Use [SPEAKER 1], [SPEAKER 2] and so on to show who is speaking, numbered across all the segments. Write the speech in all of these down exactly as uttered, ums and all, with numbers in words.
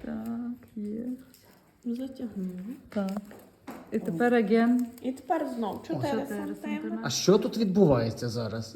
[SPEAKER 1] Так, є.
[SPEAKER 2] Затягнули.
[SPEAKER 1] Так. І тепер аген.
[SPEAKER 2] І тепер знов чотири
[SPEAKER 1] чотири
[SPEAKER 2] сантиметри.
[SPEAKER 3] А що тут відбувається зараз?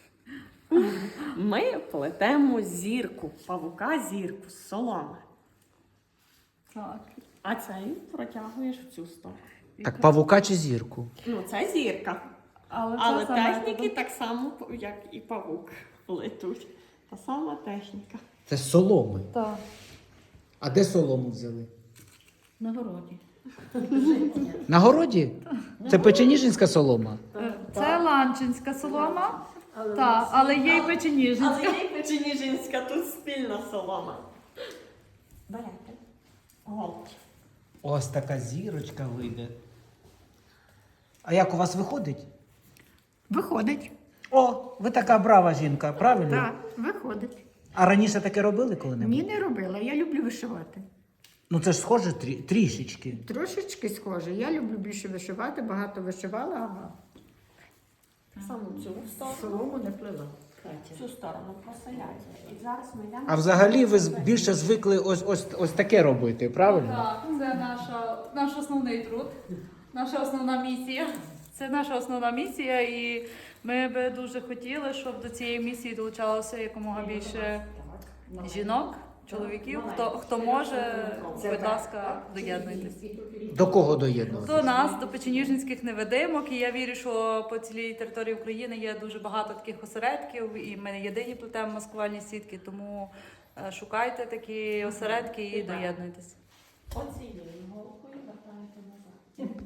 [SPEAKER 2] Ми плетемо зірку, павука зірку з соломи.
[SPEAKER 1] Так.
[SPEAKER 2] А цей протягуєш в цю сторону.
[SPEAKER 3] Так павука чи зірку?
[SPEAKER 2] Ну, це зірка.
[SPEAKER 1] Але,
[SPEAKER 2] Але
[SPEAKER 1] це саме
[SPEAKER 2] техніки
[SPEAKER 1] методом.
[SPEAKER 2] так само, як і павук, плетуть. Та сама техніка.
[SPEAKER 3] Це з соломи.
[SPEAKER 1] Так.
[SPEAKER 3] А де солому взяли?
[SPEAKER 1] На городі.
[SPEAKER 3] На городі? Це печеніжинська солома.
[SPEAKER 1] Це ланчинська солома, так, але є й
[SPEAKER 2] Але
[SPEAKER 1] печеніжинська.
[SPEAKER 2] є й печеніжинська, тут спільна солома. Берете. Голки.
[SPEAKER 3] Ось така зірочка вийде. А як у вас виходить?
[SPEAKER 4] Виходить.
[SPEAKER 3] О, ви така брава жінка, правильно?
[SPEAKER 4] Так, виходить.
[SPEAKER 3] А раніше таке робили коли-небудь?
[SPEAKER 4] Ні, не робила. Я люблю вишивати.
[SPEAKER 3] Ну це ж схоже трі- трішечки.
[SPEAKER 4] Трошечки схоже. Я люблю більше вишивати, багато вишивала, а
[SPEAKER 2] Саме цю сторону.
[SPEAKER 4] солому не плела.
[SPEAKER 2] Цю сторону просиляйте. І зараз ми йдемо.
[SPEAKER 3] А взагалі ви з- більше звикли ось, ось, ось таке робити, правильно?
[SPEAKER 1] Так, це наша, наш основний труд, наша основна місія. Це наша основна місія, і ми би дуже хотіли, щоб до цієї місії долучалося якомога більше жінок, чоловіків. Хто, хто може, будь ласка, доєднуйтесь.
[SPEAKER 3] До кого доєднувати?
[SPEAKER 1] До нас, до печеніжинських невидимок, і я вірю, що по цілій території України є дуже багато таких осередків, і ми не єдині плетемо маскувальні сітки, тому е, шукайте такі осередки і доєднуйтесь.
[SPEAKER 2] Оцією голкою вертаєте назад.